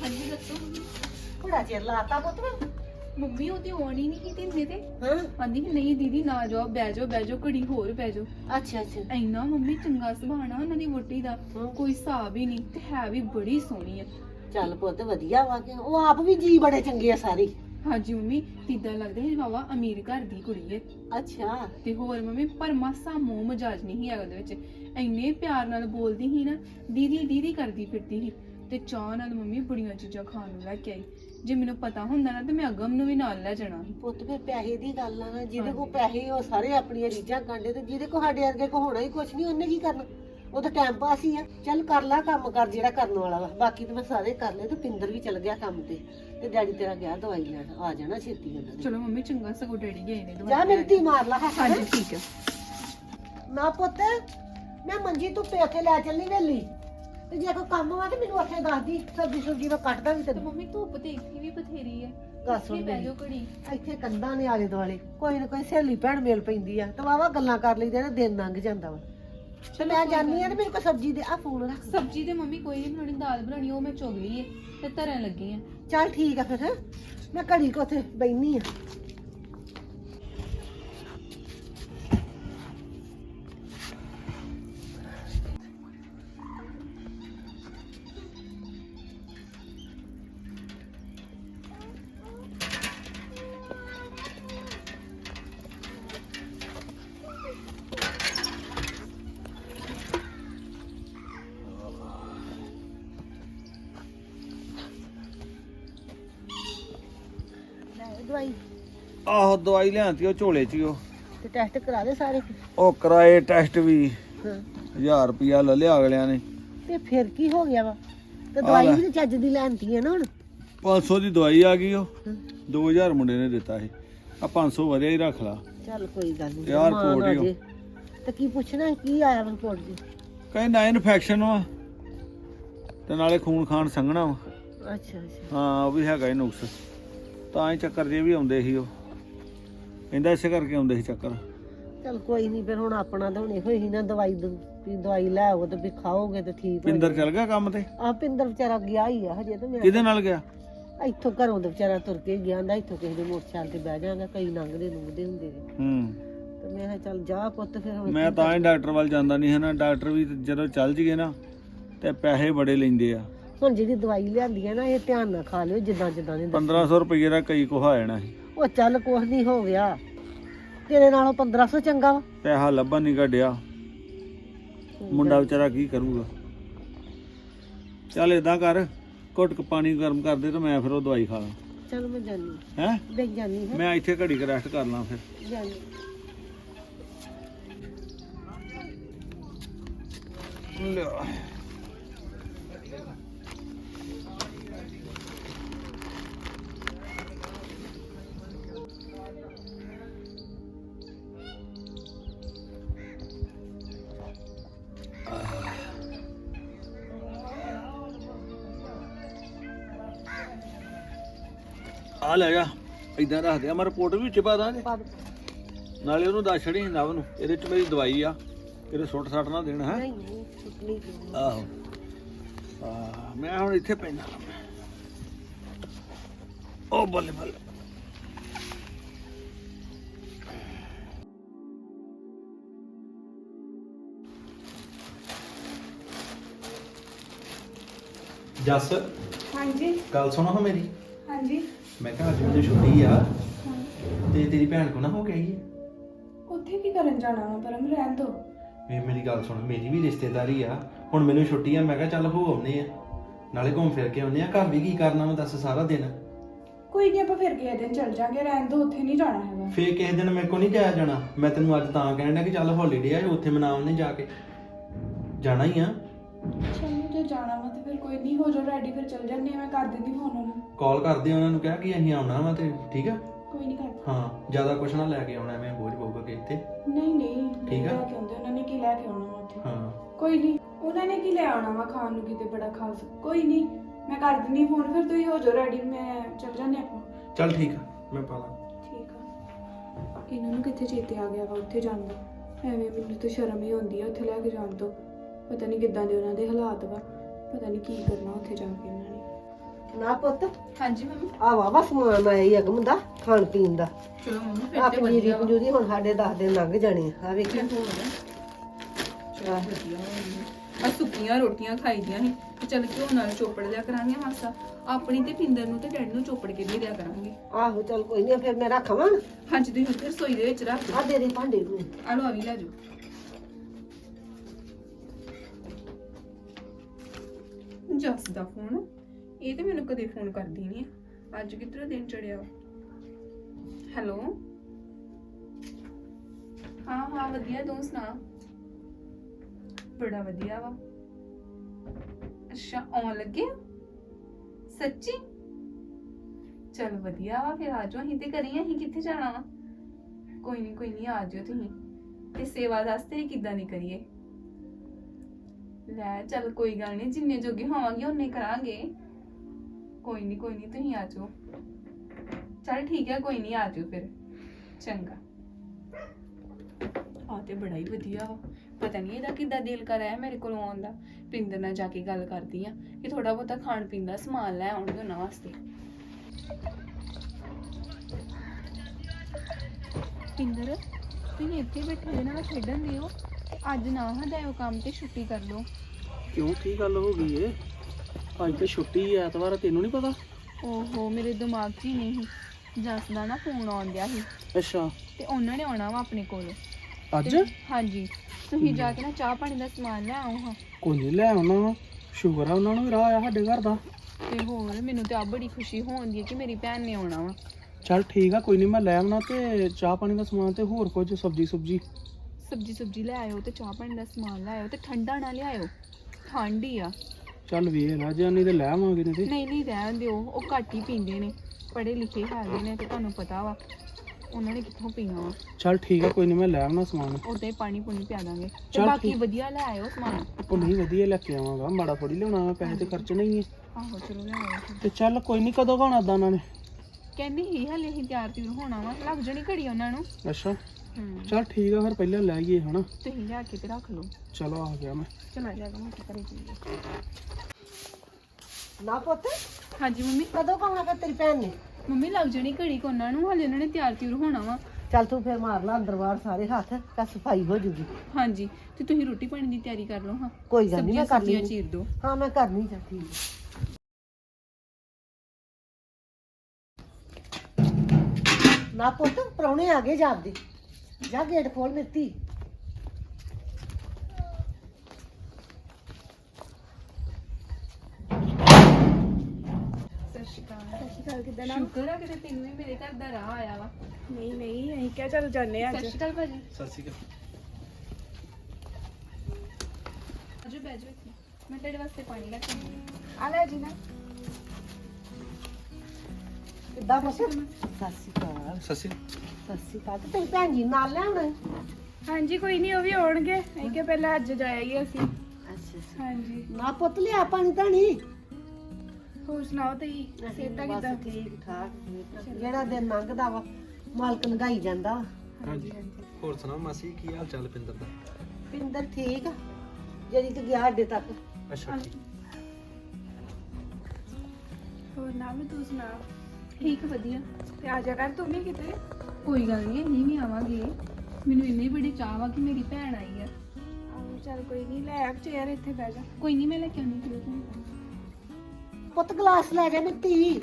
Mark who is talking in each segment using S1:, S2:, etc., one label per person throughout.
S1: ਹਾਂਜੀ ਦੱਸੋ
S2: ਬੜਾ ਚਿਰ ਲਾਤਾ ਪੁੱਤ।
S1: ਮੰਮੀ ਉਹ ਤੇ ਆਉਣੀ ਨਹੀਂ ਸੀ ਦਿੰਦੇ ਤੇ
S2: ਹਾਂ
S1: ਆਂਦੀ ਸੀ ਨਹੀਂ ਦੀਦੀ ਨਾ ਜਾਓ ਬਹਿ ਜਾਓ ਘੜੀ ਹੋਰ ਬਹਿ ਜਾਓ।
S2: ਅੱਛਾ ਅੱਛਾ।
S1: ਇੰਨਾ ਮੰਮੀ ਚੰਗਾ ਸੁਭਾਅ ਨਾ ਉਹਨਾਂ ਦੀ ਵੋਟੀ ਦਾ
S2: ਹਮ।
S1: ਕੋਈ ਹਿਸਾਬ ਹੀ ਨਹੀਂ ਤੇ ਹੈ ਵੀ ਬੜੀ ਸੋਹਣੀ ਆ।
S2: ਚੱਲ ਪੁੱਤ ਵਧੀਆ ਵਾ ਕਿ ਉਹ ਆਪ ਵੀ ਜੀ ਬੜੇ ਚੰਗੇ ਆ ਸਾਰੇ।
S1: ਹਾਂਜੀ ਮੰਮੀ ਇਦਾਂ ਲੱਗਦਾ ਹੈ ਬਾਬਾ ਅਮੀਰ ਘਰ ਦੀ ਕੁੜੀ ਹੈ।
S2: ਅੱਛਾ
S1: ਤੇ ਹੋਰ ਮੰਮੀ ਪਰ ਮਾਸਾ ਮੋਹ ਮਜਾਜ ਨਹੀਂ ਹੈਗਾ ਉਹਦੇ ਵਿੱਚ। ਇੰਨੇ ਪਿਆਰ ਨਾਲ ਬੋਲਦੀ ਸੀ ਨਾ ਦੀਦੀ ਦੀਦੀ ਕਰਦੀ ਫਿਰਦੀ ਸੀ ਤੇ ਚਾਹ ਨਾਲ ਮੰਮੀ ਬੜੀਆਂ ਚੀਜ਼ਾਂ ਖਾਣ ਨੂੰ ਲੈ ਕੇ ਆਈ। ਜੇ ਮੈਨੂੰ ਪਤਾ ਹੁੰਦਾ ਨਾ ਤੇ ਮੈਂ ਅਗਮ ਨੂੰ ਵੀ ਨਾਲ ਲੈ ਜਾਣਾ ਸੀ।
S2: ਪੁੱਤ ਫਿਰ ਪੈਸੇ ਦੀ ਗੱਲ ਆ ਨਾ, ਜਿਹਦੇ ਕੋਲ ਪੈਸੇ ਉਹ ਸਾਰੇ ਆਪਣੀਆਂ ਰੀਝਾਂ ਕਾਂਡੇ ਤੇ ਜਿਹਦੇ ਕੋਲ ਸਾਡੇ ਵਰਗੇ ਕੋ ਹੋਣਾ ਹੀ ਕੁਛ ਨਹੀਂ, ਉਹਨੇ ਕੀ ਕਰਨਾ। ਉਹ ਤਾਂ ਟਾਈਮ ਪਾਸ ਹੀ ਆ। ਚੱਲ ਕਰ ਲੈ ਕੰਮ ਕਰ ਜਿਹੜਾ ਕਰਨ ਵਾਲਾ ਵਾ, ਬਾਕੀ ਤੇ ਮੈਂ ਸਾਰੇ ਕਰ ਲਏ ਤੇ ਪਿੰਦਰ ਵੀ ਚਲ ਗਿਆ ਕੰਮ ਤੇ ਡੈਡੀ ਤੇਰਾ ਗਿਆ ਦਵਾਈ ਲੈਣ, ਆ ਜਾਣਾ ਛੇਤੀ ਉਹਨਾਂ ਨੇ।
S1: ਚਲੋ ਮੰਮੀ ਚੰਗਾ ਸਗੋਂ ਡੈਡੀ ਗਏ ਨੇ
S2: ਜਾ ਮਿੰਟੀ ਮਾਰ ਲਾ ਹੱਥ।
S1: ਹਾਂਜੀ ਠੀਕ ਹੈ।
S2: ਨਾ ਪੁੱਤ ਮੈਂ ਮੰਜੀ ਤੂੰ ਪੇਕੇ ਲੈ ਚੱਲਣੀ ਵੇਲੀ, ਤੇ ਜੇ ਕੋਈ ਕੰਮ ਵਾ ਤੇ ਮੈਨੂੰ ਉੱਥੇ ਦੱਸ ਦੀ, ਸਬਜ਼ੀ ਸੁਬਜ਼ੀ ਮੈਂ ਕੱਟਦਾ ਵੀ
S1: ਤੇ
S2: ਤੈਨੂੰ।
S1: ਮੰਮੀ ਧੁੱਪ ਤੇ ਇੱਥੇ ਵੀ ਬਥੇਰੀ ਹੈ।
S2: ਗੱਲ
S1: ਇੱਥੇ
S2: ਸੁਣ
S1: ਬਹਿ ਜਾਓ ਘੜੀ।
S2: ਇੱਥੇ ਕੰਧਾਂ ਨੇ ਆਲੇ ਦੁਆਲੇ ਕੋਈ ਨਾ ਕੋਈ ਸਹੇਲੀ ਭੈਣ ਮਿਲ ਪੈਂਦੀ ਆ ਤੇ ਵਾਵਾ ਗੱਲਾਂ ਕਰ ਲਈਦੇ ਨੇ, ਦਿਨ ਲੰਘ ਜਾਂਦਾ ਵਾ। ਤੇ ਮੈਂ ਜਾਣੀ ਆ ਤੇ ਮੈਨੂੰ ਕੋਈ ਸਬਜ਼ੀ ਦੇ, ਆ ਫੋਨ ਰੱਖ।
S1: ਸਬਜ਼ੀ ਤੇ ਮੰਮੀ ਕੋਈ ਨਹੀਂ ਬਣਾਉਣੀ, ਦਾਲ ਬਣਾਉਣੀ ਉਹ ਮੈਂ ਚੁਗ ਲਈ ਹੈ ਤੇ ਧਰਨ ਲੱਗੀ ਆ।
S2: ਚੱਲ ਠੀਕ ਆ ਫਿਰ, ਮੈਂ ਘੜੀ ਕੋ ਉੱਥੇ ਬੈਣੀ ਆ। ਦਵਾਈ
S3: ਆਹੋ ਦਵਾਈ ਲਿਆਂਤੀ ਉਹ ਝੋਲੇ 'ਚ ਹੀ ਉਹ
S2: ਤੇ ਟੈਸਟ ਕਰਾ ਦੇ ਸਾਰੇ।
S3: ਉਹ ਕਰਾਏ ਟੈਸਟ ਵੀ
S2: ਹਾਂ
S3: 1000 ਰੁਪਿਆ ਲੈ ਲਿਆ ਅਗਲਿਆਂ ਨੇ।
S2: ਤੇ ਫਿਰ ਕੀ ਹੋ ਗਿਆ ਵਾ, ਤੇ ਦਵਾਈ ਵੀ ਤੇ ਚੱਜ ਦੀ ਲੈਂਦੀ ਹੈ ਨਾ ਹੁਣ।
S3: 500 ਦੀ ਦਵਾਈ ਆ ਗਈ ਉਹ,
S2: ਹਾਂ।
S3: 2000 ਮੁੰਡੇ ਨੇ ਦਿੱਤਾ ਸੀ, ਆ 500 ਵਧਿਆ ਹੀ ਰੱਖ ਲਾ।
S2: ਚੱਲ ਕੋਈ ਗੱਲ ਨਹੀਂ
S3: ਯਾਰ ਰਿਪੋਰਟ ਹੀ ਹੋ।
S2: ਤੇ ਕੀ ਪੁੱਛਣਾ ਕੀ ਆਇਆ ਰਿਪੋਰਟ ਦੀ?
S3: ਕਹਿੰਦਾ ਇਨਫੈਕਸ਼ਨ ਵਾ ਤੇ ਨਾਲੇ ਖੂਨ ਖਾਨ ਸੰਘਣਾ ਵਾ।
S2: ਅੱਛਾ ਅੱਛਾ।
S3: ਹਾਂ ਉਹ ਵੀ ਹੈਗਾ ਹੀ ਨੁਕਸ, ਤਾਂ ਹੀ ਚੱਕਰ ਜੇ ਵੀ ਆਉਂਦੇ ਸੀ ਉਹ, ਕਹਿੰਦਾ ਇਸੇ ਕਰਕੇ ਆਉਂਦੇ ਸੀ ਚੱਕਰ।
S2: ਚੱਲ ਕੋਈ ਨਹੀਂ, ਫਿਰ ਹੁਣ ਆਪਣਾ ਤਾਂ ਹੁਣ ਇਹੋ ਹੀ ਨਾ, ਦਵਾਈ ਲੈ ਆਓ ਤੇ ਵੀ ਖਾਓਗੇ ਤੇ ਠੀਕ ਹੋ
S3: ਪਿੰਦਰ ਚੱਲ ਗਿਆ ਕੰਮ ਤੇ?
S2: ਆ ਪਿੰਦਰ ਵਿਚਾਰਾ ਗਿਆ ਹੀ ਆ ਹਜੇ, ਤੇ ਮੈਂ
S3: ਕਿਹਦੇ ਨਾਲ ਗਿਆ?
S2: ਇੱਥੋਂ ਘਰੋਂ ਤੇ ਵਿਚਾਰਾ ਤੁਰ ਕੇ ਗਿਆ ਹੁੰਦਾ, ਇੱਥੋਂ ਕਿਸੇ ਦੇ ਮੋਟਰਸਾਈਕਲ ਤੇ ਬਹਿ ਜਾਗਾ, ਕਈ ਲੰਘਦੇ ਹੁੰਦੇ ਨੇ। ਤੇ ਮੈਂ ਕਿਹਾ ਚੱਲ ਜਾ ਪੁੱਤ ਫਿਰ ਹੁਣ।
S3: ਮੈਂ ਤਾਂ ਹੀ ਡਾਕਟਰ ਵੱਲ ਜਾਂਦਾ ਨਹੀਂ ਹੈ ਨਾ, ਡਾਕਟਰ ਵੀ ਜਦੋਂ ਚੱਲ ਜੀਏ ਨਾ ਤੇ ਪੈਸੇ ਬੜੇ ਲੈਂਦੇ ਆ।
S2: ਹੁਣ ਜਿਹੜੀ ਦਵਾਈ ਲਿਆਂਦੀ ਹੈ ਨਾ, ਇਹ ਧਿਆਨ ਨਾਲ ਖਾ ਲਿਓ ਜਿੱਦਾਂ ਜਿੱਦਾਂ ਨੇ
S3: 1500 ਰੁਪਏ ਦਾ ਕਈ ਕੁ ਹੋ ਜਾਣਾ ਸੀ।
S2: ਉਹ ਚੱਲ ਕੁਛ ਨਹੀਂ ਹੋ ਗਿਆ, ਤੇਰੇ ਨਾਲੋਂ 1500 ਚੰਗਾ ਵਾ।
S3: ਪੈਸਾ ਲੱਭਣ ਨਹੀਂ ਕੱਢਿਆ, ਮੁੰਡਾ ਵਿਚਾਰਾ ਕੀ ਕਰੂਗਾ। ਚੱਲ ਏਦਾਂ ਕਰ, ਘੁੱਟ ਕੇ ਪਾਣੀ ਗਰਮ ਕਰ ਦੇ ਤੇ ਮੈਂ ਫਿਰ ਉਹ ਦਵਾਈ ਖਾ ਲਾਂ।
S2: ਚੱਲ ਮੈਂ ਜਾਨੀ
S3: ਹੈ
S2: ਦੇਖ ਜਾਨੀ ਹੈ
S3: ਮੈਂ ਇੱਥੇ ਘੜੀ ਕ ਰੈਸਟ ਕਰ ਲਾਂ ਫਿਰ।
S2: ਜਾਨੀ।
S3: ਲਿਆ ਆ ਲੈ ਜਾ, ਇਦਾਂ ਰੱਖ ਦੇ, ਮੈਂ ਰਿਪੋਰਟ ਵੀ ਵਿੱਚ ਪਾ ਦਾਂਗੇ।
S2: ਪਾ ਦੇ।
S3: ਨਾਲੇ ਉਹਨੂੰ ਦੱਸ ਛੜੀ ਨਵ ਨੂੰ, ਇਹਦੇ ਚ ਮੇਰੀ ਦਵਾਈ ਆ, ਇਹਦੇ ਸੁੱਟ ਸੱਟ ਨਾ ਦੇਣਾ ਹੈ।
S2: ਨਹੀਂ ਨਹੀਂ ਛੁੱਟਣੀ ਕਿਉਂ?
S3: ਆਹੋ ਮੈਂ ਹੁਣ ਇੱਥੇ ਪੈਣਾ। ਉਹ ਬੱਲੇ ਬੱਲੇ
S4: ਜੱਸ
S1: ਹਾਂਜੀ
S4: ਗੱਲ ਸੁਣੋ ਹਾਂ ਮੇਰੀ।
S1: ਹਾਂਜੀ
S4: ਮੈਂ ਕਿਹਾ ਅੱਜ ਮੈਨੂੰ ਛੁੱਟੀ ਆ ਤੇ ਤੇਰੀ ਭੈਣ ਕੋ ਨਾ ਹੋ ਕੇ ਆਈ ਹੈ।
S1: ਉੱਥੇ ਕੀ ਕਰਨ ਜਾਣਾ ਵਾ, ਪਰਮ ਰਹਿਣ ਦੋ।
S4: ਵੇ ਮੇਰੀ ਗੱਲ ਸੁਣ, ਮੇਰੀ ਵੀ ਰਿਸ਼ਤੇਦਾਰੀ ਆ, ਹੁਣ ਮੈਨੂੰ ਛੁੱਟੀ ਆ, ਮੈਂ ਕਿਹਾ ਚੱਲ ਹੋ ਆਉਨੇ ਆ, ਨਾਲੇ ਘੁੰਮ ਫਿਰ ਕੇ ਆਉਨੇ ਆ। ਘਰ ਵੀ ਕੀ ਕਰਨਾ ਮੈਂ ਦੱਸ ਸਾਰਾ ਦਿਨ।
S1: ਕੋਈ ਨਹੀਂ ਆਪਾਂ ਫਿਰ ਕਿਸੇ ਦਿਨ ਚੱਲ ਜਾਾਂਗੇ, ਰਹਿਣ ਦੋ, ਉੱਥੇ ਨਹੀਂ ਜਾਣਾ ਹੈਗਾ।
S4: ਫੇਰ ਕਿਸੇ ਦਿਨ ਮੇਰੇ ਕੋ ਨਹੀਂ ਜਾਇਆ ਜਾਣਾ। ਮੈਂ ਤੈਨੂੰ ਅੱਜ ਤਾਂ ਕਹਿਣ ਡਿਆ ਕਿ ਚੱਲ ਹੌਲੀਡੇ ਆ, ਉੱਥੇ ਮਨਾਉਣੇ ਜਾ ਕੇ ਜਾਣਾ ਹੀ ਆ।
S1: ਚਲੋ ਜੇ ਜਾਣਾ ਵਾ ਤੇ ਫਿਰ ਕੋਈ ਨਹੀਂ, ਹੋ ਜਾਓ ਰੈਡੀ, ਫਿਰ ਚੱਲ ਜਾਂਦੇ ਆ। ਮੈਂ ਕਰ ਦਿੰਦੀ ਫੋਨ ਉਹਨੂੰ।
S4: ਕਾਲ ਕਰਦੇ ਉਹਨਾਂ ਨੂੰ ਕਿਹਾ ਕਿ ਅਸੀਂ ਆਉਣਾ ਵਾ ਤੇ ਠੀਕ ਆ।
S1: ਕੋਈ ਨਹੀਂ ਕਰਦਾ।
S4: ਹਾਂ ਜ਼ਿਆਦਾ ਕੁਛ ਨਾ ਲੈ ਕੇ ਆਉਣਾ, ਐਵੇਂ ਬੋਝ ਪਊਗਾ ਕਿ ਇੱਥੇ।
S1: ਨਹੀਂ ਨਹੀਂ
S4: ਠੀਕ ਆ।
S1: ਲੈ ਕੇ ਆਉਂਦੇ, ਉਹਨਾਂ ਨੇ ਕੀ ਲੈ ਕੇ ਆਉਣਾ ਵਾ ਉੱਥੇ।
S4: ਹਾਂ
S1: ਕੋਈ ਨਹੀਂ, ਉਹਨਾਂ ਨੇ ਕੀ ਲੈ ਆਉਣਾ ਵਾ ਖਾਣ ਨੂੰ, ਕਿਤੇ ਬੜਾ ਖਾਸ। ਕੋਈ ਨਹੀਂ, ਮੈਂ ਕਰ ਦਿੰਦੀ ਫੋਨ, ਫਿਰ ਤੁਸੀਂ ਹੋ ਜਾਓ ਰੈਡੀ, ਮੈਂ ਚੱਲ ਜਾਂਦੇ ਆਪਾਂ।
S4: ਚੱਲ ਠੀਕ ਆ, ਮੈਂ ਪਾ ਲਾਂ।
S1: ਠੀਕ ਆ। ਇਹਨਾਂ ਨੂੰ ਕਿੱਥੇ ਚੇਤੇ ਆ ਗਿਆ ਵਾ ਉੱਥੇ ਜਾਣ ਦਾ। ਐਵੇਂ ਮੈਨੂੰ ਤਾਂ ਸ਼ਰਮ ਹੀ ਆਉਂਦੀ ਆ ਉੱਥੇ ਲੈ ਕੇ ਜਾਣ ਤੋਂ। ਪਤਾ ਨਹੀਂ ਕਿੱਦਾਂ ਦੇ ਉਹਨਾਂ ਦੇ ਹਾਲਾਤ ਵਾ, ਪਤਾ ਨਹੀਂ ਕੀ ਕਰਨਾ ਉੱਥੇ ਜਾ ਕੇ ਇਹਨਾਂ ਨੇ।
S2: ਨਾ ਪੁੱਤ
S1: ਹਾਂਜੀ ਮੰਮੀ
S2: ਆ ਵਾਵਾ ਸਮਾਨ ਆਇਆ ਹੀ ਅਗਮ ਦਾ ਖਾਣ ਪੀਣ ਦਾ
S1: ਚਲੋ ਮੰਮੀ
S2: ਆ
S1: ਫਿਰ ਤੇ
S2: ਪੰਜੀਰੀ
S1: ਵਧੀਆ ਵਾ।
S2: ਪੰਜੂਰੀ ਹੁਣ ਸਾਡੇ 10 ਦਿਨ ਲੰਘ ਜਾਣੇ ਆ ਵੇਖੀ
S1: ਚਲੋ ਵਧੀਆ ਆ ਸੁੱਕੀਆਂ ਰੋਟੀਆਂ ਖਾਈਦੀਆਂ ਸੀ ਤੇ ਚੱਲ ਘਿਓ ਨਾਲ ਚੋਪੜ ਲਿਆ ਕਰਾਂਗੇ ਮਾਸਾ ਆਪਣੀ ਤੇ ਪਿੰਦਰ ਨੂੰ ਤੇ ਡੈਡੀ ਨੂੰ ਚੋਪੜ ਕੇ ਦੇ ਦਿਆ ਕਰਾਂਗੇ
S2: ਆਹੋ ਚੱਲ ਕੋਈ ਨਹੀਂ ਫਿਰ ਮੈਂ ਰੱਖਵਾਂ
S1: ਹਾਂਜੀ ਤੁਸੀਂ ਉੱਥੇ ਰਸੋਈ ਦੇ ਵਿੱਚ ਰੱਖ ਦਿਓ
S2: ਆ ਦੇ ਦੇ ਭਾਂਡੇ ਨੂੰ
S1: ਆ ਲਓ ਆ ਵੀ ਲੈ ਜਾਓ ਜੱਸ ਦਾ ਫੋਨ ਇਹ ਤੇ ਮੈਨੂੰ ਕਦੇ ਫੋਨ ਕਰਦੀ ਨਹੀਂ ਅੱਜ ਕਿਧਰੋਂ ਦਿਨ ਚੜਿਆ ਹੈਲੋ ਹਾਂ ਵਧੀਆ ਤੂੰ ਸੁਣਾ ਬੜਾ ਵਧੀਆ ਵਾ ਅੱਛਾ ਆਉਣ ਲੱਗੇ ਆ? ਸੱਚੀ ਚਲ ਵਧੀਆ ਵਾ ਫਿਰ ਆ ਜਾਓ ਅਸੀਂ ਤੇ ਕਰੀਏ ਅਸੀਂ ਕਿੱਥੇ ਜਾਣਾ ਵਾ ਕੋਈ ਨਹੀਂ ਆ ਜਾਓ ਤੁਸੀਂ ਤੇ ਸੇਵਾ ਵਾਸਤੇ ਕਿੱਦਾਂ ਨਹੀਂ ਕਰੀਏ ਲੈ ਚੱਲ ਕੋਈ ਗੱਲ ਨਹੀਂ ਜਿੰਨੇ ਜੋਗੇ ਹੋਵਾਂਗੇ ਉਹਨੇ ਕਰਾਂਗੇ ਕੋਈ ਨਹੀਂ ਤੁਸੀਂ ਆ ਜਾਓ ਚੱਲ ਠੀਕ ਹੈ ਕੋਈ ਨਹੀਂ ਆ ਜਾਓ ਫਿਰ ਚੰਗਾ ਆ ਤੇ ਬੜਾ ਹੀ ਵਧੀਆ ਵਾ ਪਤਾ ਨਹੀਂ ਇਹਦਾ ਕਿੱਦਾਂ ਦਿਲ ਕਰ ਰਿਹਾ ਮੇਰੇ ਕੋਲ ਆਉਣ ਦਾ ਪਿੰਦਰ ਨਾਲ ਜਾ ਕੇ ਗੱਲ ਕਰਦੀ ਆ ਕਿ ਥੋੜਾ ਬਹੁਤਾ ਖਾਣ ਪੀਣ ਦਾ ਸਮਾਨ ਲੈ ਆਉਣਗੇ ਉਹਨਾਂ ਵਾਸਤੇ ਪਿੰਦਰ ਤੁਸੀਂ ਇੱਥੇ ਬੈਠੇ ਦੇ ਨਾਲ ਖੇਡਣ ਦਿਓ ਅੱਜ ਨਾ ਹਦਾਇਓ ਕੰਮ ਤੇ ਛੁੱਟੀ ਕਰ ਲਓ
S5: ਕਿਉਂ ਕੀ ਗੱਲ ਹੋ ਗਈ ਏ ਅੱਜ ਤੇ ਛੁੱਟੀ ਐ ਐਤਵਾਰ ਤੈਨੂੰ ਨਹੀਂ ਪਤਾ
S1: ਓਹੋ ਮੇਰੇ ਦਿਮਾਗ 'ਚ ਹੀ ਨਹੀਂ ਸੀ ਜੱਸ ਦਾ ਨਾ ਫੋਨ ਆਉਣ ਡਿਆ ਸੀ
S5: ਅੱਛਾ
S1: ਤੇ ਉਹਨਾਂ ਨੇ ਆਉਣਾ ਵਾ ਆਪਣੇ ਕੋਲ
S5: ਅੱਜ
S1: ਤੇ ਹਾਂਜੀ ਤੁਸੀਂ ਜਾ ਕੇ ਨਾ ਚਾਹ ਪਾਣੀ ਦਾ ਸਮਾਨ ਲੈ ਆਓ ਹਾਂ
S5: ਕੋਈ ਨਹੀਂ ਲੈ ਆਉਣਾ ਵਾ ਸ਼ੁਕਰ ਆ ਉਹਨਾਂ ਨੂੰ ਵੀ ਰਾਹ ਆਇਆ ਸਾਡੇ ਘਰ ਦਾ
S1: ਤੇ ਹੋਰ ਮੈਨੂੰ ਤੇ ਆ ਬੜੀ ਖੁਸ਼ੀ ਹੋਉਂਦੀ ਹੈ ਕਿ ਮੇਰੀ ਭੈਣ ਨੇ ਆਉਣਾ ਵਾ
S5: ਚੱਲ ਠੀਕ ਆ ਕੋਈ ਨਹੀਂ ਮੈਂ ਲੈ ਆਉਣਾ ਤੇ ਚਾਹ ਪਾਣੀ ਦਾ ਸਮਾਨ ਤੇ ਹੋਰ ਕੁਝ ਸਬਜੀ
S1: ਲੈ ਆਇਓ ਤੇ ਚਾਹ ਪਾਣੀ ਦਾ ਸਮਾਨ ਲੈ ਆਇਓ ਤੇ ਠੰਡਾ ਨਾ ਲਿਆਇਓ ਠੰਡ ਹੀ ਆ
S5: ਚੱਲ ਵੇਖ ਲੈ ਜੇ ਨਹੀਂ ਤੇ ਲੈ ਆਵਾਂਗੇ ਨਹੀਂ ਤੇ
S1: ਨਹੀਂ ਰਹਿਣ ਦਿਓ ਉਹ ਘੱਟ ਹੀ ਪੀਂਦੇ ਨੇ ਪੜ੍ਹੇ ਲਿਖੇ ਹੈਗੇ ਨੇ ਤੇ ਤੁਹਾਨੂੰ ਪਤਾ ਵਾ ਉਹਨਾਂ ਨੇ ਕਿੱਥੋਂ ਪੀਣਾ ਵਾ
S5: ਚੱਲ ਠੀਕ ਆ ਕੋਈ ਨਹੀਂ ਮੈਂ ਲੈ ਆਉਣਾ ਸਮਾਨ
S1: ਉਦਾਂ ਹੀ ਪਾਣੀ ਪੂਣੀ ਪਿਆ ਦਾਂਗੇ ਤੇ
S5: ਚੱਲ
S1: ਬਾਕੀ
S5: ਠੀਕ।
S1: ਵਧੀਆ ਲੈ ਆਇਓ ਸਮਾਨ
S5: ਉਹ ਨਹੀਂ ਵਧੀਆ ਲੈ ਕੇ ਆਵਾਂਗਾ ਮਾੜਾ ਥੋੜੀ ਲਿਆਉਣਾ ਵਾ ਪੈਸੇ ਤੇ ਖਰਚਣੇ ਹੀ ਆ
S1: ਆਹੋ ਚਲੋ ਲੈ ਆਇਓ ਫਿਰ।
S5: ਤੇ ਚੱਲ ਕੋਈ ਨਹੀਂ ਕਦੋਂ ਖਾਣਾ ਏਦਾਂ ਉਹਨਾਂ ਨੇ
S1: ਕਹਿੰਦੀ ਹੀ ਹਲੇ ਅਸੀਂ ਤਿਆਰ ਤਿਉਰ ਹੋਣਾ ਵਾ ਲੱਗ ਜਾਣੀ ਘੜੀ ਉਹਨਾਂ ਨੂੰ
S5: ਅੱਛਾ ਚੱਲ ਠੀਕ ਆ ਫਿਰ ਪਹਿਲਾਂ ਲੈ ਗਏ ਹਨਾ
S1: ਤੁਸੀਂ ਲਿਆ ਕੇ ਤੇ ਰੱਖ ਲਓ
S5: ਚਲੋ ਆ ਗਿਆ ਮੈਂ
S1: ਚਲਾ ਜਾਗਾ ਮੈਂ ਕੀ ਕਰੀ ਜੀ
S2: ਨਾ ਪੁੱਤ
S1: ਹਾਂਜੀ ਮੰਮੀ
S2: ਕਦੋਂ ਕਹਣਾ ਕਰ ਤੇਰੀ ਭੈਣ ਨੇ
S1: ਮੰਮੀ ਲੱਗ ਜਾਣੀ ਘੜੀ ਕੋ ਉਹਨਾਂ ਨੂੰ ਹਲੇ ਉਹਨਾਂ ਨੇ ਤਿਆਰ ਤਿਉਰ ਹੋਣਾ ਵਾ
S2: ਚੱਲ ਤੂੰ ਫਿਰ ਮਾਰ ਲਾ ਅੰਦਰ ਬਾਹਰ ਸਾਰੇ ਹੱਥ ਤਾਂ ਸਫਾਈ ਹੋ ਜੂਗੀ
S1: ਹਾਂਜੀ ਤੇ ਤੁਸੀਂ ਰੋਟੀ ਪਾਣੀ ਦੀ ਤਿਆਰੀ ਕਰ ਲਓ ਹਾਂ
S2: ਕੋਈ ਗੱਲ ਨਹੀਂ ਮੈਂ ਕਰ
S1: ਸਬਜ਼ੀਆਂ
S2: ਲਈ
S1: ਚੀਰ ਦਿਓ
S2: ਹਾਂ ਮੈਂ ਕਰਨੀ ਜਾ ਠੀਕ ਨਾ ਪੁੱਤ ਪ੍ਰਾਹੁਣੇ ਆ ਗਏ ਜਾਂਦੇ ਜਾ ਗੇਟ ਖੋਲ ਮਿੱਤੀ
S1: ਸਤਿ ਸ਼੍ਰੀ ਅਕਾਲ ਕਿਦਾਂ ਨਾ ਸ਼ੁਕਰ ਆ ਕਿ ਤੈਨੂੰ ਵੀ ਮੇਰੇ ਘਰ ਦਾ ਰਾਹ ਆਇਆ ਵਾ
S6: ਨਹੀਂ ਅਸੀਂ ਕਿਹਾ ਚੱਲ ਜਾਂਦੇ ਆ
S1: ਸਤਿ ਸ਼੍ਰੀ ਅਕਾਲ ਭਾਜੀ
S4: ਸਤਿ ਸ਼੍ਰੀ ਅਕਾਲ
S1: ਅਜੋ ਬੈਜੋ ਇੱਥੇ ਮੈਂ ਤੇਰੇ ਵਾਸਤੇ ਪਾਣੀ ਲੈ ਕੇ ਆਉਂਦੀ
S6: ਆ ਲੈ ਜੀ ਨਾ
S2: ਕਿੱਦਾਂ ਪੁੱਤ ਸਤਿ ਸ਼੍ਰੀ ਅਕਾਲ
S4: ਸਤਿ ਸ਼੍ਰੀ
S2: ਸਤਿ ਸ਼੍ਰੀ ਅਕਾਲ ਤੇ ਤੇਰੀ ਭੈਣ ਜੀ ਨਾਲ ਲੈਣਾ
S6: ਹਾਂਜੀ ਕੋਈ ਨਹੀਂ ਉਹ ਵੀ ਆਉਣਗੇ ਅਸੀਂ ਕਿ ਪਹਿਲਾਂ ਅੱਜ ਜਾਏਗੀ ਅਸੀਂ
S2: ਅੱਛਾ
S6: ਹਾਂਜੀ
S2: ਨਾ ਪੁੱਤ ਲਿਆ ਪਾਣੀ ਧਾਣੀ
S6: ਹੋਰ ਸੁਣਾਓ ਤੁਸੀਂ ਸਿਹਤਾਂ
S2: ਬਸ
S6: ਕਿਦਾਂ
S2: ਠੀਕ ਠਾਕ ਜਿਹੜਾ ਦਿਨ ਲੰਘਦਾ ਵਾ ਮਾਲਕ ਨਗਾਈ ਜਾਂਦਾ ਵਾ।
S4: ਹਾਂਜੀ ਹੋਰ ਸੁਣਾਓ ਮਾਸੀ ਕੀ ਹਾਲ ਚਾਲ ਪਿੰਦਰ ਦਾ
S2: ਪਿੰਦਰ ਠੀਕ ਆ ਜਿਹੜੀ ਤੇ ਗਿਆ ਅੱਡੇ ਤੱਕ
S4: ਅੱਛਾ ਠੀਕ
S6: ਹੋਰ ਨਾ ਵੀ ਤੂੰ ਸੁਣਾ
S1: ਠੀਕ ਵਧੀਆ
S6: ਤੇ ਆ ਜਾ ਕਰ ਤੂੰ ਵੀ ਕਿਤੇ
S1: ਕੋਈ ਗੱਲ ਨਹੀਂ ਅਸੀਂ ਵੀ ਆਵਾਂਗੇ ਮੈਨੂੰ ਇੰਨੀ ਬੜੀ ਚਾਹ ਵਾ ਕਿ ਮੇਰੀ ਭੈਣ ਆਈ ਆ
S6: ਆਹੋ ਚੱਲ ਕੋਈ ਨਹੀਂ ਲੈ ਆ ਚੇਅਰ ਇੱਥੇ ਬਹਿ ਜਾ
S1: ਕੋਈ ਨਹੀਂ ਮੈਂ ਲੈ ਕੇ ਆਉਂਦੀ ਤੁਹਾਨੂੰ
S2: ਪੁੱਤ ਗਲਾਸ ਲੈ ਜਾ ਮਿੱਟੀ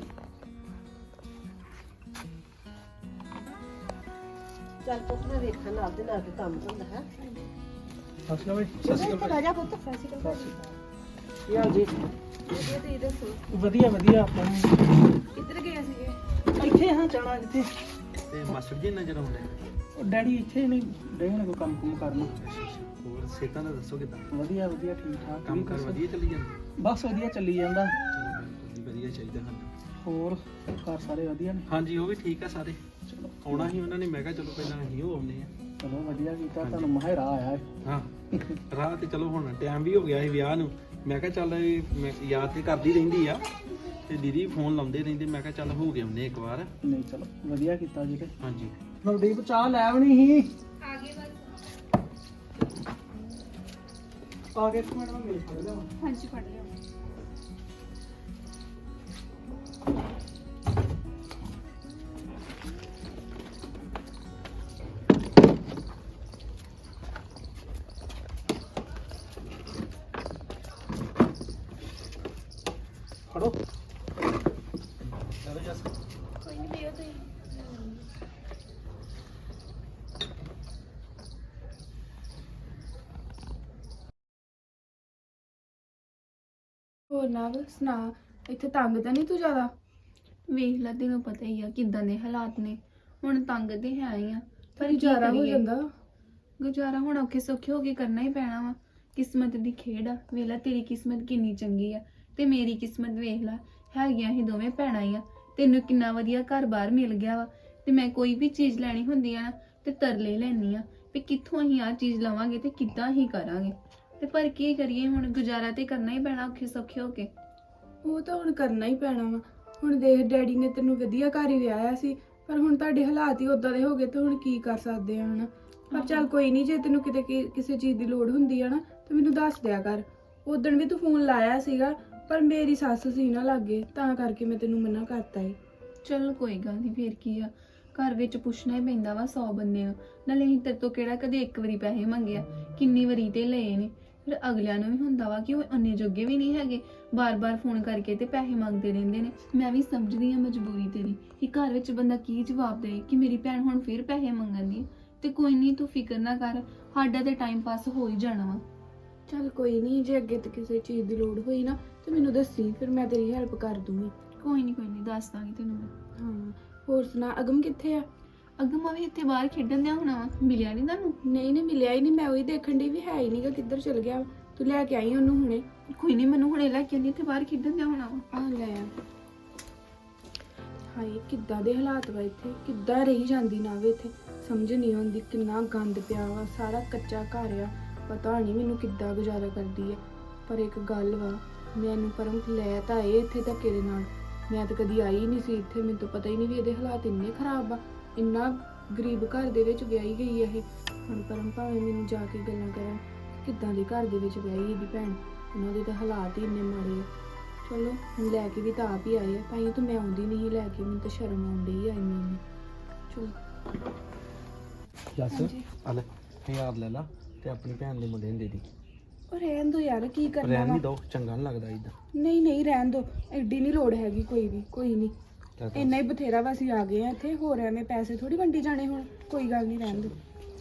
S2: ਚੱਲ ਪੁੱਤ ਮੈਂ ਵੇਖਣ ਨਾਲ ਦੇ ਨਾਲ ਕੰਮ ਹੁੰਦਾ ਹੈ
S5: ਸਤਿ ਸ਼੍ਰੀ ਅਕਾਲ
S2: ਸਤਿ ਸ਼੍ਰੀ ਅਕਾਲ ਰਾਜਾ ਪੁੱਤ
S5: ਕੀ ਹਾਲ ਜੀ
S6: ਵਧੀਆ ਤੁਸੀਂ ਦੱਸੋ
S5: ਵਧੀਆ ਆਪਾਂ
S6: ਕਿੱਧਰ ਗਏ ਸੀਗੇ
S5: ਇੱਥੇ ਹਾਂ ਜਾਣਾ ਜਿੱਥੇ
S4: ਤੇ ਮਾਸਟਰ ਜੀ ਨਜ਼ਰ ਆਉਂਦੇ
S5: ਉਹ ਡੈਡੀ ਇੱਥੇ ਨਹੀਂ ਡੈਡੀ ਕੋਈ ਕੰਮ ਕੁਮ ਕਰਨਾ
S4: ਹੋਰ ਸਿਹਤਾਂ ਦਾ ਦੱਸੋ ਕਿਦਾਂ
S5: ਵਧੀਆ ਠੀਕ ਠਾਕ
S4: ਕੰਮ ਕਰ ਵਧੀਆ ਚੱਲੀ ਜਾਂਦਾ
S5: ਬਸ ਵਧੀਆ ਚੱਲੀ ਜਾਂਦਾ
S4: ਚਲੋ ਵਧੀਆ ਚਾਹੀਦਾ ਸਾਨੂੰ
S5: ਹੋਰ ਘਰ ਸਾਰੇ ਵਧੀਆ ਨੇ
S4: ਹਾਂਜੀ ਉਹ ਵੀ ਠੀਕ ਆ ਸਾਰੇ
S5: ਚਲੋ
S4: ਆਉਣਾ ਸੀ ਉਹਨਾਂ ਨੇ ਮੈਂ ਕਿਹਾ ਚਲੋ ਪਹਿਲਾਂ ਅਸੀਂ ਉਹ ਆਉਂਦੇ ਆ
S5: ਚਲੋ ਵਧੀਆ ਕੀਤਾ ਤੁਹਾਨੂੰ ਮਹਾਰਾ ਆਇਆ ਹੈ
S4: ਹਾਂ ਰਾਹ ਤੇ ਚਲੋ ਹੁਣ ਟਾਈਮ ਵੀ ਹੋ ਗਿਆ ਸੀ ਵਿਆਹ ਨੂੰ ਮੈਂ ਕਿਹਾ ਚੱਲ ਮੈਂ ਯਾਦ ਤੇ ਕਰਦੀ ਰਹਿੰਦੀ ਆ ਤੇ ਦੀਦੀ ਫੋਨ ਲਾਉਂਦੇ ਰਹਿੰਦੇ ਮੈਂ ਕਿਹਾ ਚੱਲ ਹੋ ਗਏ ਉਹਨੇ ਇੱਕ ਵਾਰ
S5: ਨਹੀਂ ਚਲੋ ਵਧੀਆ ਕੀਤਾ ਜੀ ਤੇ
S4: ਹਾਂਜੀ
S5: ਨਵਦੀਪ ਚਾਹ ਲੈ ਆਉਣੀ ਸੀ
S1: ਆਗੇ ਬਸ
S5: ਆ ਕੇ ਇੱਕ ਮਿੰਟ ਮੈਂ ਮਿਲ ਫੜ ਲਿਆ
S1: ਹਾਂਜੀ ਫੜ ਲਿਓ
S4: ਚਲੋ ਜੱਸ
S6: ਕੋਈ ਨਹੀਂ ਪੀਓ ਤੁਸੀਂ। ਹੋਰ ਨਾ ਸੁਣਾ, ਇੱਥੇ ਤੰਗ ਤਾਂ ਨਹੀਂ ਤੂੰ ਜ਼ਿਆਦਾ?
S1: ਵੇਖ ਲੈ, ਤੈਨੂੰ ਪਤਾ ਹੀ ਆ ਕਿੱਦਾਂ ਦੇ ਹਾਲਾਤ ਨੇ। ਹੁਣ ਤੰਗ ਤੇ ਹੈ ਹੀ ਆ, ਪਰ ਕੀ
S6: ਗੁਜ਼ਾਰਾ ਹੋ
S1: ਕਰੀਏ?
S6: ਜਾਂਦਾ।
S1: ਗੁਜ਼ਾਰਾ ਹੁਣ ਔਖੇ ਸੌਖੇ ਹੋ ਕੇ ਕਰਨਾ ਹੀ ਪੈਣਾ ਵਾ। ਕਿਸਮਤ ਦੀ ਖੇਡ ਆ। ਵੇਖ ਲੈ ਤੇਰੀ ਕਿਸਮਤ ਕਿੰਨੀ ਚੰਗੀ ਆ ਤੇ ਮੇਰੀ ਕਿਸਮਤ ਵੇਖ ਲੈ, ਹੈਗੀਆਂ ਹੀ ਦੋਵੇਂ ਭੈਣਾਂ ਹੀ ਆ। ਤੈਨੂੰ ਕਿੰਨਾ ਵਧੀਆ ਘਰ-ਬਾਰ ਮਿਲ ਗਿਆ ਵਾ ਤੇ ਮੈਂ ਕੋਈ ਵੀ ਚੀਜ਼ ਲੈਣੀ ਹੁੰਦੀ ਆ ਨਾ ਤੇ ਤਰਲੇ ਲੈਣੀ ਆ ਵੀ ਕਿੱਥੋਂ ਅਸੀਂ ਆ ਚੀਜ਼ ਲਵਾਂਗੇ ਤੇ ਕਿੱਦਾਂ ਹੀ ਕਰਾਂਗੇ। ਤੇ ਪਰ ਕੀ ਕਰੀਏ, ਹੁਣ ਗੁਜ਼ਾਰਾ ਤੇ ਕਰਨਾ ਹੀ ਪੈਣਾ ਔਖੇ ਸੌਖੇ ਹੋ ਕੇ।
S6: ਉਹ ਤਾਂ ਹੁਣ ਕਰਨਾ ਹੀ ਪੈਣਾ ਵਾ। ਹੁਣ ਦੇਖ, ਡੈਡੀ ਨੇ ਤੈਨੂੰ ਵਧੀਆ ਘਰ ਹੀ ਵਿਆਹਿਆ ਸੀ, ਪਰ ਹੁਣ ਤੁਹਾਡੇ ਹਾਲਾਤ ਹੀ ਉਦਾਂ ਦੇ ਹੋ ਗਏ ਤੇ ਹੁਣ ਕੀ ਕਰ ਸਕਦੇ ਆ ਹਨਾ। ਪਰ ਚੱਲ ਕੋਈ ਨਹੀਂ, ਜੇ ਤੈਨੂੰ ਕਿਤੇ ਕਿਸੇ ਚੀਜ਼ ਦੀ ਲੋੜ ਹੁੰਦੀ ਆ ਨਾ ਤਾਂ ਮੈਨੂੰ ਦੱਸ ਦਿਆ ਕਰ। ਉਦੋਂ ਵੀ ਤੂੰ ਫੋਨ ਲਾਇਆ ਸੀਗਾ, ਪਰ ਮੇਰੀ ਸੱਸ ਸੀ ਨਾ ਲਾਗੇ, ਤਾਂ ਕਰਕੇ ਮੈਂ ਤੈਨੂੰ ਮਨਾ ਕਰਤਾ ਏ।
S1: ਚਲ ਕੋਈ ਗੱਲ ਨਹੀਂ, ਫੇਰ ਕੀ ਆ, ਘਰ ਵਿੱਚ ਪੁੱਛਣਾ ਹੀ ਪੈਂਦਾ ਵਾ 100 ਬੰਦੇ ਨੂੰ। ਨਾਲੇ ਅਸੀਂ ਤੇਰੇ ਤੋਂ ਕਿਹੜਾ ਕਦੇ ਇੱਕ ਵਾਰੀ ਪੈਸੇ ਮੰਗਿਆ, ਕਿੰਨੀ ਵਾਰੀ ਤੇ ਲਏ ਨੇ। ਫਿਰ ਅਗਲਿਆਂ ਨੂੰ ਵੀ ਹੁੰਦਾ ਵਾ ਕਿ ਉਹ ਅੰਨੇ ਜੋਗੇ ਵੀ ਨਹੀਂ ਹੈਗੇ, ਬਾਰ-ਬਾਰ ਫੋਨ ਕਰਕੇ ਤੇ ਪੈਸੇ ਮੰਗਦੇ ਰਹਿੰਦੇ ਨੇ। ਮੈਂ ਵੀ ਸਮਝਦੀ ਹਾਂ ਮਜਬੂਰੀ ਤੇਰੀ ਕਿ ਘਰ ਵਿੱਚ ਬੰਦਾ ਕੀ ਜਵਾਬ ਦੇ ਕਿ ਮੇਰੀ ਭੈਣ ਹੁਣ ਫੇਰ ਪੈਸੇ ਮੰਗਣ ਦੀ। ਤੇ ਕੋਈ ਨਹੀਂ, ਤੂੰ ਫਿਕਰ ਨਾ ਕਰ, ਸਾਡਾ ਤੇ ਟਾਈਮ ਪਾਸ ਹੋ ਹੀ ਜਾਣਾ ਵਾ।
S6: ਚੱਲ ਕੋਈ ਨਹੀਂ, ਜੇ ਅੱਗੇ ਤੇ ਕਿਸੇ ਚੀਜ਼ ਦੀ ਲੋੜ ਹੋਈ ਨਾ ਤੇ ਮੈਨੂੰ ਦੱਸੀ, ਫਿਰ ਮੈਂ ਤੇਰੀ ਹੈਲਪ ਕਰ ਦੂੰਗੀ।
S1: ਕੋਈ ਨਹੀਂ ਦੱਸ ਦਾਂਗੀ ਤੈਨੂੰ ਮੈਂ।
S6: ਹਾਂ, ਹੋਰ ਸੁਣਾ, ਅਗਮ ਕਿੱਥੇ ਆ?
S1: ਅਗਮ ਵੀ ਇੱਥੇ ਬਾਹਰ ਖੇਡਣ ਦਿਆ ਹੋਣਾ ਵਾ, ਮਿਲਿਆ ਨਹੀਂ ਤੁਹਾਨੂੰ?
S6: ਨਹੀਂ ਮਿਲਿਆ ਹੀ ਨਹੀਂ, ਮੈਂ ਉਹੀ ਦੇਖਣ ਦੀ ਵੀ ਹੈ ਹੀ ਨਹੀਂਗਾ, ਕਿੱਧਰ ਚਲ ਗਿਆ। ਤੂੰ ਲੈ ਕੇ ਆਈ ਉਹਨੂੰ ਹੁਣੇ?
S1: ਕੋਈ ਨਹੀਂ, ਮੈਨੂੰ ਹੁਣੇ ਲੈ ਕੇ ਆਉਂਦੀ, ਇੱਥੇ ਬਾਹਰ ਖੇਡਣ ਦਿਆ ਹੋਣਾ ਵਾ।
S6: ਆ ਲੈ ਆ। ਹਾਏ ਕਿੱਦਾਂ ਦੇ ਹਾਲਾਤ ਵਾ ਇੱਥੇ, ਕਿੱਦਾਂ ਰਹੀ ਜਾਂਦੀ ਨਾ ਵੇ ਇੱਥੇ, ਸਮਝ ਨਹੀਂ ਆਉਂਦੀ। ਕਿੰਨਾ ਗੰਦ ਪਿਆ ਵਾ, ਸਾਰਾ ਕੱਚਾ ਘਰ ਆ, ਪਤਾ ਨਹੀਂ ਮੈਨੂੰ ਕਿੱਦਾਂ ਗੁਜ਼ਾਰਾ ਕਰਦੀ ਆ। ਪਰ ਇੱਕ ਗੱਲ ਵਾ, ਮੈਨੂੰ ਪਰਮ ਲੈ ਤਾਂ ਆਏ ਇੱਥੇ ਧੱਕੇ ਦੇ ਨਾਲ। ਮੈਂ ਤਾਂ ਕਦੀ ਆਈ ਨਹੀਂ ਸੀ ਇੱਥੇ, ਮੈਨੂੰ ਤਾਂ ਪਤਾ ਹੀ ਨਹੀਂ ਵੀ ਇਹਦੇ ਹਾਲਾਤ ਇੰਨੇ ਖਰਾਬ ਆ। ਇੰਨਾ ਗਰੀਬ ਘਰ ਦੇ ਵਿੱਚ ਵਿਆਹੀ ਗਈ ਇਹ। ਹੁਣ ਪਰਮ ਭਾਵੇਂ ਮੈਨੂੰ ਜਾ ਕੇ ਗੱਲਾਂ ਕਰਨ ਕਿੱਦਾਂ ਦੇ ਘਰ ਦੇ ਵਿੱਚ ਵਿਆਹੀ ਇਹਦੀ ਭੈਣ, ਉਹਨਾਂ ਦੇ ਤਾਂ ਹਾਲਾਤ ਹੀ ਇੰਨੇ ਮਾੜੇ ਆ। ਚਲੋ ਹੁਣ ਲੈ ਕੇ ਵੀ ਤਾਂ ਆਪ ਹੀ ਆਏ ਆ, ਤਾਂ ਹੀ ਤਾਂ ਮੈਂ ਆਉਂਦੀ ਨਹੀਂ ਲੈ ਕੇ, ਮੈਨੂੰ ਤਾਂ ਸ਼ਰਮ ਆਉਂਦੀ ਆ ਇੰਨੀ। ਚਲੋ
S4: ਜੱਸ ਆ ਲੈ 1000 ਲੈ ਲਾ ਤੇ ਆਪਣੀ ਭੈਣ ਦੇ ਮੁੰਡੇ ਨੂੰ ਦੇ ਦੀ।
S6: ਉਹ ਰਹਿਣ ਦੋ ਯਾਰ, ਕੀ ਕਰਨਾ
S4: ਰਹਿਣ
S6: ਵਾ?
S4: ਨਹੀਂ ਦੋ, ਚੰਗਾ ਨਹੀਂ ਲੱਗਦਾ ਇਦਾਂ।
S6: ਨਹੀਂ ਰਹਿਣ ਦੋ, ਐਡੀ ਨਹੀਂ ਲੋੜ ਹੈਗੀ ਕੋਈ ਵੀ, ਕੋਈ ਨਹੀਂ। ਇੰਨਾ ਹੀ ਬਥੇਰਾ ਵਾ, ਅਸੀਂ ਆ ਗਏ ਆ ਇੱਥੇ, ਹੋਰ ਐਵੇਂ ਪੈਸੇ ਥੋੜੀ ਵੰਡੀ ਜਾਣੇ ਹੁਣ। ਕੋਈ ਗੱਲ ਨਹੀਂ, ਰਹਿਣ ਦੋ।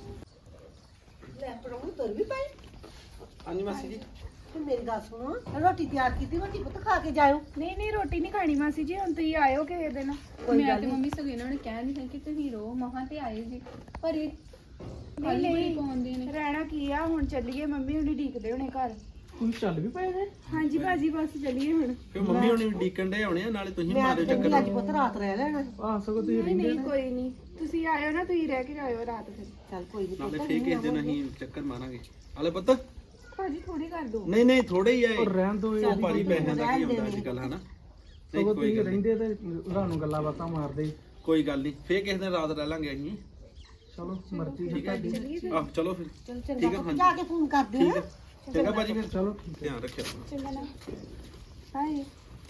S2: ਲੈ ਪੜਾਉਂ ਤੁਰ ਵੀ ਪਏ।
S4: ਹਾਂਜੀ ਮਾਸੀ ਜੀ।
S2: ਤੇ ਮੇਰੀ ਗੱਲ ਸੁਣੋ, ਰੋਟੀ ਤਿਆਰ ਕੀਤੀ, ਰੋਟੀ ਪੁੱਤ ਖਾ ਕੇ ਜਾਇਓ।
S6: ਨਹੀਂ ਰੋਟੀ ਨਹੀਂ ਖਾਣੀ ਮਾਸੀ ਜੀ, ਹੁਣ ਤੁਸੀਂ ਆਇਓ ਕਿਸੇ ਦਿਨ।
S1: ਮੈਂ ਤੇ ਮੰਮੀ ਸਗੋਂ ਇਹਨਾਂ ਨੇ ਕਹਿ ਨਹੀਂ ਹੈ ਕਿ ਤੁਸੀਂ ਰੋ ਮਹਾਂ ਤੇ ਆਏ ਜੀ, ਪਰ ਇਹ ਖਾਲੀ ਬੜੀ ਪਾਉਂਦੇ ਨੇ।
S6: ਰਹਿਣਾ ਕੀ ਆ, ਹੁਣ ਚੱਲੀਏ, ਮੰਮੀ ਹੁਣੀ ਢੀਕਦੇ ਹੋਣੇ ਘਰ।
S5: ਹੁਣ ਚੱਲ ਵੀ ਪਏ ਨੇ?
S6: ਹਾਂਜੀ ਭਾਜੀ, ਬਸ ਚੱਲੀਏ ਹੁਣ।
S4: ਫਿਰ ਮੰਮੀ ਹੁਣੀ ਡੀਕਣ ਦੇ ਆਉਣੇ ਆ, ਨਾਲੇ ਤੁਸੀਂ
S2: ਮੈਂ
S4: ਮਾਰਿਓ
S2: ਤਾਂ
S4: ਚੱਕਰ।
S2: ਅੱਜ ਪੁੱਤ ਰਾਤ ਰਹਿ ਲੈਣਾ।
S5: ਆ ਸਗੋਂ ਤੁਸੀਂ
S6: ਨਹੀਂ ਕੋਈ ਨਹੀਂ, ਤੁਸੀਂ ਆਇਓ ਨਾ, ਤੁਸੀਂ ਰਹਿ ਕੇ ਜਾਇਓ ਰਾਤ ਫਿਰ।
S2: ਚੱਲ ਕੋਈ ਨਹੀਂ
S4: ਨਾਲੇ ਫੇਰ ਕਿਸੇ ਦਿਨ ਅਸੀਂ ਚੱਕਰ ਮਾਰਾਂਗੇ। ਆਲੇ ਪੁੱਤ
S6: ਭਾਜੀ ਥੋੜੀ ਕਰ ਦੋ।
S4: ਨਹੀਂ ਥੋੜੇ ਹੀ ਆਏ।
S5: ਉਹ ਰਹਿਣ ਦੋ,
S4: ਉਹ ਭਾਰੀ ਪੈਸਿਆਂ ਦਾ ਕੀ ਹੁੰਦਾ ਅੱਜ ਕੱਲ, ਹਨਾ? ਨਹੀਂ
S5: ਸਗੋਂ
S4: ਕੋਈ
S5: ਤੁਸੀਂ
S4: ਗੱਲ ਨੀ।
S5: ਰਹਿੰਦੇ ਤੇ ਰਾਤ ਨੂੰ ਗੱਲਾਂ ਬਾਤਾਂ ਮਾਰਦੇ।
S4: ਕੋਈ ਗੱਲ ਨਹੀਂ, ਫੇਰ ਕਿਸੇ ਦਿਨ ਰਾਤ ਰਹਿ ਲਾਂਗੇ ਅਸੀਂ।
S5: ਚਲੋ ਮਰਜ਼ੀ
S4: ਠੀਕ ਹੈ
S5: ਤੁਹਾਡੀ।
S4: ਆਹ ਚਲੋ ਫਿਰ।
S2: ਚੱਲ
S4: ਠੀਕ
S2: ਚੰਗਾ
S4: ਹੈ,
S2: ਪੁੱਤ, ਜਾ ਕੇ ਫੋਨ ਕਰ ਦਿਓ।
S4: ਠੀਕ ਹੈ ਚੰਗਾ ਭਾਜੀ, ਫਿਰ
S5: ਚਲੋ
S4: ਧਿਆਨ ਰੱਖਿਓ ਆਪਣਾ।
S6: ਚੰਗਾ ਨਾ, ਹਾਏ।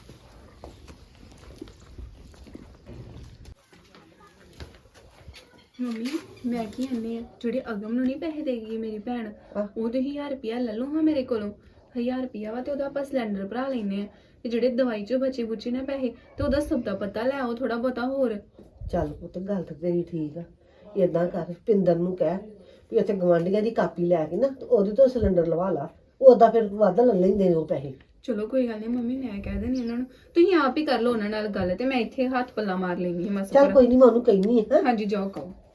S1: ਮੰਮੀ ਮੈਂ ਕੀ ਕਹਿੰਦੀ ਆ, ਜਿਹੜੇ ਅਗਮ ਨੂੰ ਨਹੀਂ ਪੈਸੇ ਦੇ ਗਈ ਮੇਰੀ ਭੈਣ, ਉਹ ਤੇ 1000 ਰੁਪਇਆ ਲੈ ਲਓ ਹਾਂ ਮੇਰੇ ਕੋਲੋਂ। 1000 ਰੁਪਇਆ ਵਾ ਤੇ ਉਹਦਾ ਆਪਾਂ ਸਿਲੰਡਰ ਭਰਾ ਲੈਨੇ ਆ, ਤੇ ਜਿਹੜੇ ਦਵਾਈ ਚੋਂ ਬਚੇ ਬੁਚੇ ਨਾ ਪੈਸੇ ਤੇ ਉਹਦਾ ਸਭ ਦਾ ਪਤਾ ਲੈ ਆਓ ਥੋੜਾ ਬਹੁਤਾ ਹੋਰ।
S2: ਚੱਲ ਪੁੱਤ, ਗੱਲ ਤਾਂ ਤੇਰੀ ਠੀਕ ਆ। ਏਦਾਂ ਕਰ, ਪਿੰਦਰ ਨੂੰ ਕਹਿ ਵੀ ਉੱਥੇ ਗਵਾਂਢੀਆਂ ਦੀ ਕਾਪੀ ਲੈ ਕੇ ਨਾ ਤੇ ਉਹਦੇ ਤੋਂ ਸਿਲੰਡਰ ਲਵਾ ਲਾ। ਉਹਦਾ ਫਿਰ ਵੱਧ ਲੈ ਲੈਂਦੇ ਨੇ ਉਹ ਪੈਸੇ।
S1: ਚਲੋ ਕੋਈ ਗੱਲ ਨਹੀਂ ਮੰਮੀ, ਮੈਂ ਕਹਿ ਦੇਣੀ ਉਹਨਾਂ ਨੂੰ, ਤੁਸੀਂ ਆਪ ਹੀ ਕਰ ਲਓ ਉਹਨਾਂ ਨਾਲ ਗੱਲ, ਤੇ ਮੈਂ ਇੱਥੇ ਹੱਥ ਪੱਲਾ ਮਾਰ ਲੈਣੀ ਹਾਂ ਮਸਾ।
S2: ਚੱਲ ਕੋਈ ਨਹੀਂ, ਮੈਂ ਉਹਨੂੰ ਕਹਿਨੀ ਆ।
S1: ਹਾਂਜੀ ਜਾਓ ਕਹੋ।